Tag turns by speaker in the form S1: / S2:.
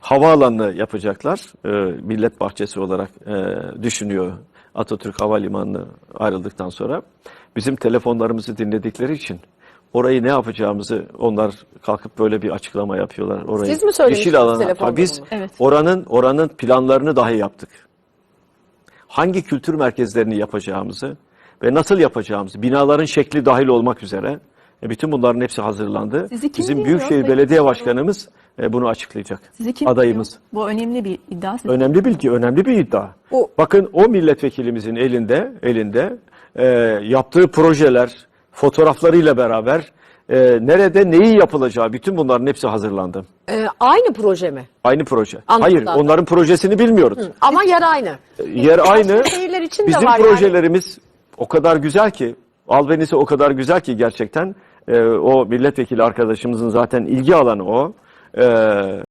S1: havaalanını yapacaklar. Millet bahçesi olarak düşünüyor Atatürk Havalimanı'nı ayrıldıktan sonra. Bizim telefonlarımızı dinledikleri için orayı ne yapacağımızı onlar kalkıp böyle bir açıklama yapıyorlar. Orayı,
S2: Siz mi söylemiştiniz
S1: yeşil alana,
S2: telefonda
S1: biz
S2: bunu?
S3: Evet.
S1: oranın planlarını dahi yaptık. Hangi kültür merkezlerini yapacağımızı ve nasıl yapacağımızı, binaların şekli dahil olmak üzere bütün bunların hepsi hazırlandı.
S3: Sizi kim
S1: Bizim
S3: dinliyor?
S1: Büyükşehir
S3: Sayın
S1: Belediye
S3: Başkanım?
S1: Başkanımız bunu açıklayacak.
S3: Sizi kim
S1: Adayımız.
S3: dinliyor? Bu önemli bir iddia.
S1: Önemli bilgi, önemli bir iddia. Bakın o milletvekilimizin elinde yaptığı projeler, fotoğraflarıyla beraber nerede neyi yapılacağı, bütün bunların hepsi hazırlandı.
S2: Aynı proje mi?
S1: Aynı proje.
S2: Anladım
S1: Hayır,
S2: zaten.
S1: onların projesini bilmiyoruz.
S2: Ama yer aynı.
S1: Yer aynı.
S2: Başka şehirler için de
S1: Bizim
S2: var
S1: projelerimiz o kadar güzel ki, albenisi o kadar güzel ki gerçekten o milletvekili arkadaşımızın zaten ilgi alanı o.